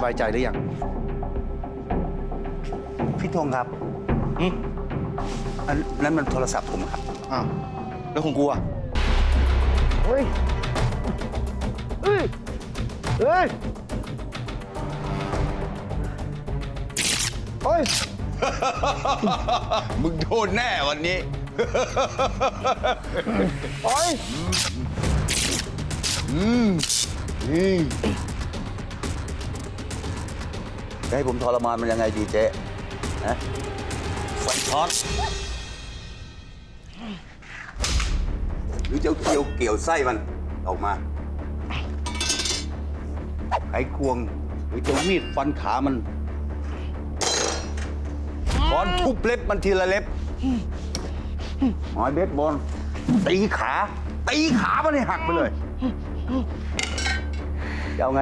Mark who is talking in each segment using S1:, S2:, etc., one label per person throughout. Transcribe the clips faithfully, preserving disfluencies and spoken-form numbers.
S1: บายใจหรือยัง
S2: พี่ธงครับอืมอันนั้นมันโทรศัพท์ผมครับ
S1: อ้าวแล้วของกูอ่ะ
S3: เฮ้ยเฮ้ยเฮ้ยเฮ้ย
S2: มึงโดนแน่วันนี้
S3: เฮ้ย
S2: อืมนี่จะให้ผมทรมานมันยังไงดีเจ๊ฮะไฟช็อตหรือจะเกี่ยวเกี่ยวไส้มันออกมาไขควงหรือจะมีดฟันขามันค้อนทุบเล็บมันทีละเล็บหอยเบสบอลตีขาตีขามันให้หักไปเลยจะเอาไง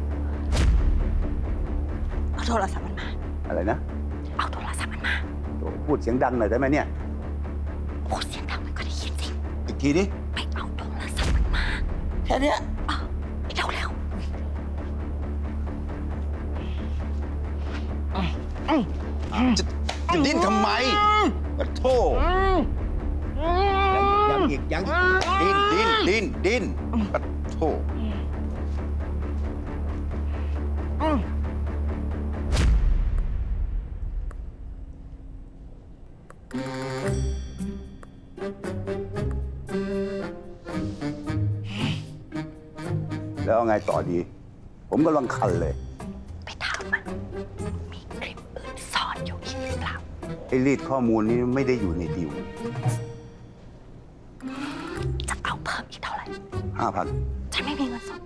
S4: เอาโทรศัพท์มันมา
S2: อะไรนะ
S4: เอาโทรศัพท์มันมา
S2: พูดเสียงดังหน่อยได้ไหมเนี่ย
S4: พูดเสียงดังมันก็ได้ยินสิ
S2: อีกทีดิ
S4: ไปเอาโทรศัพท์มันมา
S2: แค่นี้
S4: เออเร็วเร็ว
S2: จะจะดิ้นทำไมปะโถยังอีกยังอีกดิ้นดิ้นดิ้นดิ้นปะโถแล้วเอาไงต่อดีผมกำลังคันเลย
S4: ไปถามมันมีคลิปอื่นซ่อนอยู่อีกหรือเปล่า
S2: ไอ้รีดข้อมูลนี้ไม่ได้อยู่ในดิว
S4: จะเอาเพิ่มอีกเท่าไหร่
S2: ห้าพัน
S4: ฉันไม่มีเงินสด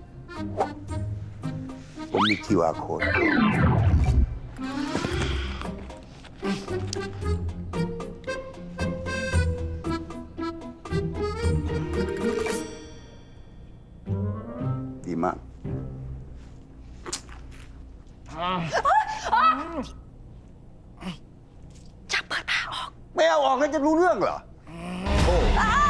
S2: ผมมี คิว อาร์ code ดีมาก
S4: จะเปิดผ้าออก
S2: ไม่เอาออกแล้วจะรู้เรื่องเหรอโอ้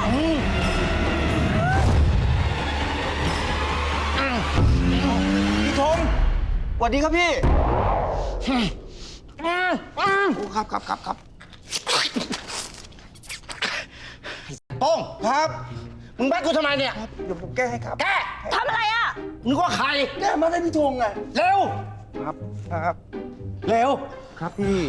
S1: พี่ธงสวัสดีครับพี่โอ้ครับครับครับครับโป้งครับมึงแบกกูทำไมเนี่ยเดี๋ยวผมแก้ให้ครับ
S4: แกทำอะไรอ่ะ
S1: นึกว่าใครแก้มาได้พี่ธงไงเร็วครับครับเร็วครับพี่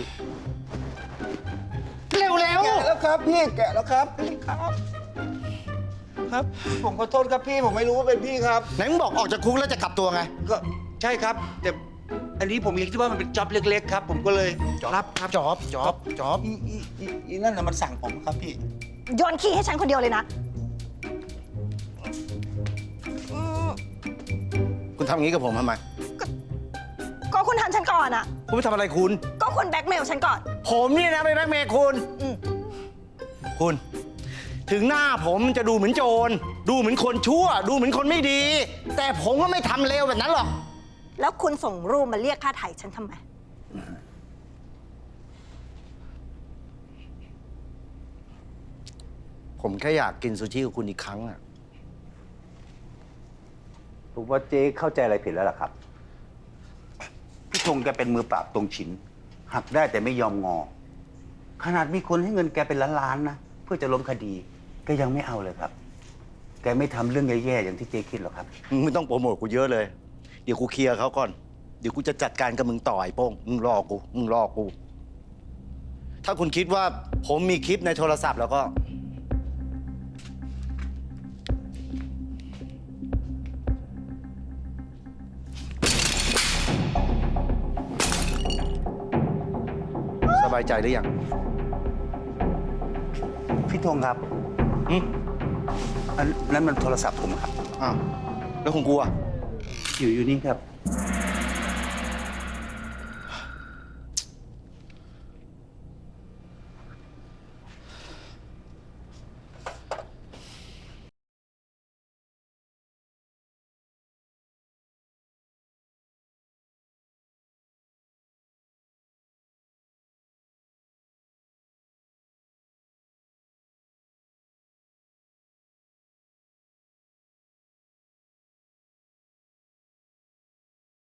S1: เร็วเร็วแกะแล้วครับพี่แกะแล้วครับพี่ครับครับผมขอโทษครับพี่ผมไม่รู้ว่าเป็นพี่ครับไหนมึงบอกออกจากคุกแล้วจะกลับตัวไงก็ใช่ครับแต่อันนี้ผมคิดว่ามันเป็นจ็อบเล็กๆครับผมก็เลยรับครับจ็อบจ็อบจ็อบอีอีอีอีนั่นน่ะมันสั่งผมครับพี่
S4: โยนขี้ให้ฉันคนเดียวเลยนะ
S1: คุณทำอย่างนี้กับผมทำไม
S4: ก็คุณทำฉันก่อนอ่ะ
S1: คุณไม่ทำอะไรคุณ
S4: ก็คุณแบล็กเมลฉันก่อน
S1: ผมนี่นะไปแบล็กเมลคุณคุณถึงหน้าผมจะดูเหมือนโจรดูเหมือนคนชั่วดูเหมือนคนไม่ดีแต่ผมก็ไม่ทำเลวแบบนั้นหรอก
S4: แล้วคุณส่งรูปมาเรียกค่าไถ่ฉันทำไม
S1: ผมแค่อยากกินซูชิกับคุณอีกครั้งอะ
S2: ผมว่าเจ๊เข้าใจอะไรผิดแล้วล่ะครับพี่ธงแกเป็นมือปราบตรงฉินหักได้แต่ไม่ยอมงอขนาดมีคนให้เงินแกเป็นล้านๆนะเพื่อจะล้มคดีแกยังไม่เอาเลยครับแกไม่ทำเรื่องแย่ๆอย่างที่เจ๊คิดหรอกครับ
S1: มึงไม่ต้องโปรโมทกูเยอะเลยเดี๋ยวกูเคลียร์เขาก่อนเดี๋ยวกูจะจัดการกับมึงต่อไอ้โป้งมึงรอกูมึงรอกูถ้าคุณคิดว่าผมมีคลิปในโทรศัพท์แล้วก็สบายใจหรือยัง
S2: พี่ธงครับ
S1: อืม
S2: อันนั้นมันโทรศัพท์ผมครับ
S1: อ้าวแล้วของกูอ่ะ
S2: อยู่อยู่นี่ครับ